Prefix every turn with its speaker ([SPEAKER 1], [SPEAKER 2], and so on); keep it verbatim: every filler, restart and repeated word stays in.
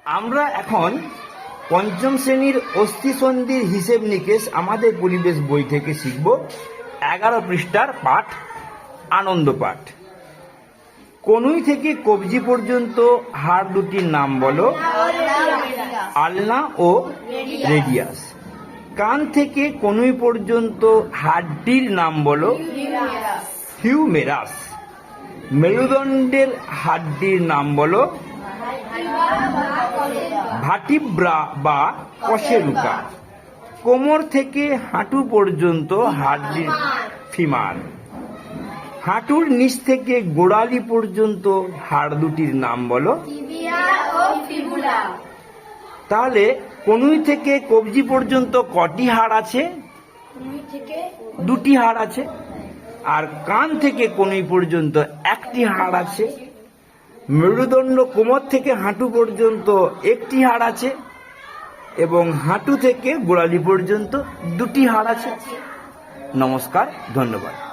[SPEAKER 1] আমরা এখন পঞ্চম শ্রেণীর অস্থিসন্ধির হিসেব নিকেশ আমাদের পরিবেশ বই থেকে শিখব এগারো পৃষ্ঠার পাঠ আনন্দ পাঠ। কনুই থেকে কবজি পর্যন্ত হাড় দুটির নাম বলো। আলনা ও রেডিয়াস। কান থেকে কনুই পর্যন্ত হাড়টির নাম বলো। হিউমেরাস। মেরুদণ্ডের হাড়টির নাম বলো। ভার্টিব্রা বা কশেরুকা। কোমর থেকে হাঁটু পর্যন্ত হাড়টির ফিমার। হাঁটুর নিচ থেকে গোড়ালি পর্যন্ত হাড় দুটির নাম বলো। তাহলে কনুই থেকে কবজি পর্যন্ত কটি হাড় আছে? দুটি হাড় আছে। আর কান থেকে কনুই পর্যন্ত একটি হাড় আছে। মেরুদণ্ড কোমর থেকে হাঁটু পর্যন্ত একটি হাড় আছে এবং হাঁটু থেকে গোড়ালি পর্যন্ত দুটি হাড় আছে। নমস্কার, ধন্যবাদ।